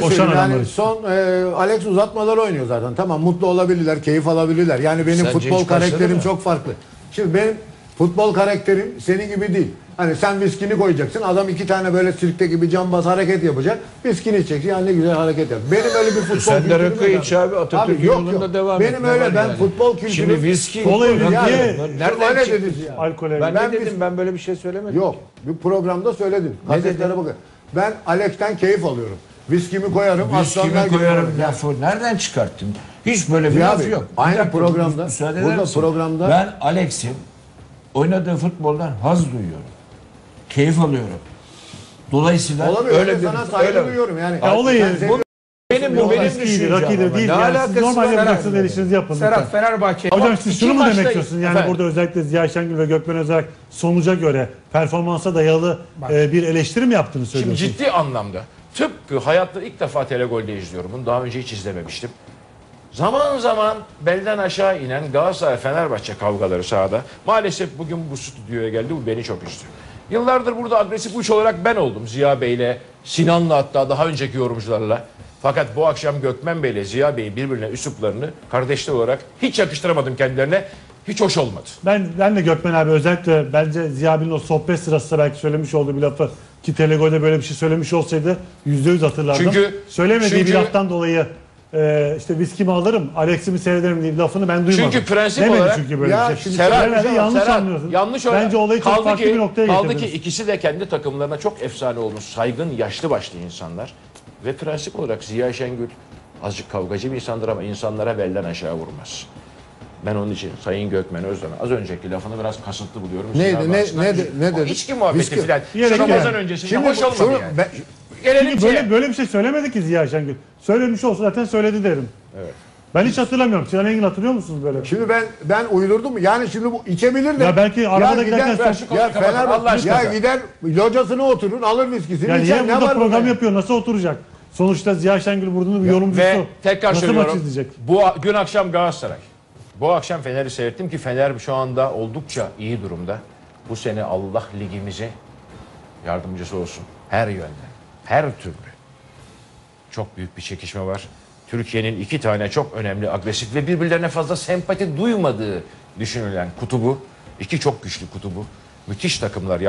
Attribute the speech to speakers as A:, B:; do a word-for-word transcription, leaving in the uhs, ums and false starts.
A: Koşan adamlar
B: Yani
A: işte.
B: son e, Alex uzatmalar oynuyor zaten. Tamam, mutlu olabilirler, keyif alabilirler. Yani benim
C: Sence
B: futbol
C: hiç başladı
B: karakterim
C: mı?
B: çok farklı. Şimdi benim futbol karakterim senin gibi değil. Hani sen viskini koyacaksın, adam iki tane böyle sirkte gibi cambaz hareket yapacak. Viskini içeceksin, yani ne güzel hareket yap. Benim öyle bir futbol
C: Sen de
B: kültürüm
C: rakı
B: yok
C: iç abi, Atatürk
B: Abi yok,
C: yolunda
B: yok.
C: devam et.
B: Benim
C: Ne
B: öyle,
C: var
B: ben
C: yani?
B: futbol kültürüm.
C: Şimdi viski...
A: Kola
C: Yani-
A: niye?
C: Nereden
B: Öyle
C: çıktı?
B: dediniz ya.
A: Alkole.
C: Ben,
B: Ben
C: ne dedim?
B: biz-
C: Ben böyle bir şey söylemedim.
B: Yok, bir programda söyledim. Gazetelere
C: dedin?
B: bakın. Ben Alex'ten keyif alıyorum. Viskimi koyarım, aslanlar
C: Viskimi
B: gibi
C: koyarım
B: oynarım.
C: lafı. Nereden çıkarttın? Hiç böyle bir
B: Ya
C: laf
B: abi,
C: yok.
B: aynı
C: Bir dakika,
B: programda,
C: müsaade eder
B: burada
C: misin?
B: programda-
C: Ben Alex'in oynadığı futboldan haz duyuyorum. Keyif alıyorum. Dolayısıyla
B: Olamıyor.
C: öyle
B: Öyle
C: bir
B: sana saygı
C: öyle-
B: duyuyorum yani.
A: Ya olayı-
B: Sen seviyorsun.
C: Benim bu
A: Yok,
C: benim
A: viskiydi,
C: düşüncem
A: rakıydı
C: ama.
A: değil.
C: Ne
A: Yani siz
C: alakası
A: normal
C: var?
A: yapacaksınız, el işinizi yapın.
D: Serhat
A: lütfen.
D: Fenerbahçe.
A: Hocam
D: Bak,
A: siz
D: iki
A: şunu mu
D: maçta-
A: demek istiyorsunuz? Yani
D: Efendim?
A: burada özellikle Ziya Şengül ve Gökmen Özerk sonuca göre performansa dayalı e, bir eleştiri mi yaptığını
E: Şimdi
A: söylüyorsunuz?
E: ciddi anlamda tıpkı hayatta ilk defa Telegol'de izliyorum. Bunu daha önce hiç izlememiştim. Zaman zaman belden aşağı inen Galatasaray-Fenerbahçe kavgaları sahada. Maalesef bugün bu stüdyoya geldi. Bu beni çok üzdü. Yıllardır burada agresif uç olarak ben oldum. Ziya Bey'le, Sinan'la, hatta daha önceki yorumcularla. Fakat bu akşam Gökmen Bey'le Ziya Bey'in birbirine üsluplarını kardeşler olarak hiç yakıştıramadım kendilerine. Hiç hoş olmadı.
A: Ben ben de Gökmen abi özellikle bence Ziya Bey'in o sohbet sırasında belki söylemiş olduğu bir lafı ki Telegol'de böyle bir şey söylemiş olsaydı yüzde yüz hatırlardım.
E: Çünkü-
A: Söylemediği
E: çünkü-
A: bir laftan dolayı e, işte viskimi alırım, Alex'imi seyrederim diye bir lafını ben duymadım.
E: Çünkü prensip
A: Demedi
E: olarak-
A: çünkü böyle
B: Ya
A: bir şey.
B: şimdi
E: Serhat,
A: Herhalde yanlış
E: Serhat,
A: anlıyorsun.
E: yanlış olarak-
A: Bence olayı çok
E: kaldı
A: farklı
E: ki,
A: bir noktaya
E: Kaldı ki
A: getirdiniz.
E: ikisi de kendi takımlarına çok efsane olmuş, saygın, yaşlı başlı insanlar. Ve prensip olarak Ziya Şengül azıcık kavgacı bir insandır ama insanlara belden aşağı vurmaz. Ben onun için Sayın Gökmen Özden'e az önceki lafını biraz kasıtlı buluyorum.
B: Neydi,
E: Sinan
B: ne-
E: Bahçı'ndan.
B: ne de- ne
E: O
B: dedi?
E: içki muhabbeti
B: Viski-
E: filan.
A: Yere
E: Şu Ramazan
A: yani.
E: öncesinde
B: Şimdi
E: hoş olmadı
B: şunu-
E: yani.
B: ben-
E: Gelelim
A: Çünkü
E: şeye.
A: böyle, böyle bir şey söylemedi ki Ziya Şengül. Söylemiş olsa zaten söyledi derim.
E: Evet.
A: Ben hiç hatırlamıyorum. Sinan Engin hatırlıyor musunuz böyle?
B: Şimdi ben ben uydurdum mu? Yani şimdi bu içebilir de.
A: Ya belki arabada
B: gider-
A: giderken
E: ver şu konuyu
B: ya
E: kapat, Allah
B: Fenerbahçe
E: aşkına.
B: ya gider locasına oturur, alır viskisini
A: Yani
B: içer.
A: niye
B: Ne
A: burada
B: var
A: program
B: bunda?
A: yapıyor? Nasıl oturacak? Sonuçta Ziya Şengül Burdu'nun bir yorumcusu.
E: Ve tekrar
A: Nasıl
E: söylüyorum.
A: maç izleyecek?
E: Bu gün akşam Galatasaray. Bu akşam Fener'i seyrettim ki Fener şu anda oldukça iyi durumda. Bu sene Allah ligimize yardımcısı olsun. Her yönden. Her türlü. Çok büyük bir çekişme var. Türkiye'nin iki tane çok önemli, agresif ve birbirlerine fazla sempati duymadığı düşünülen kutubu, iki çok güçlü kutubu, müthiş takımlar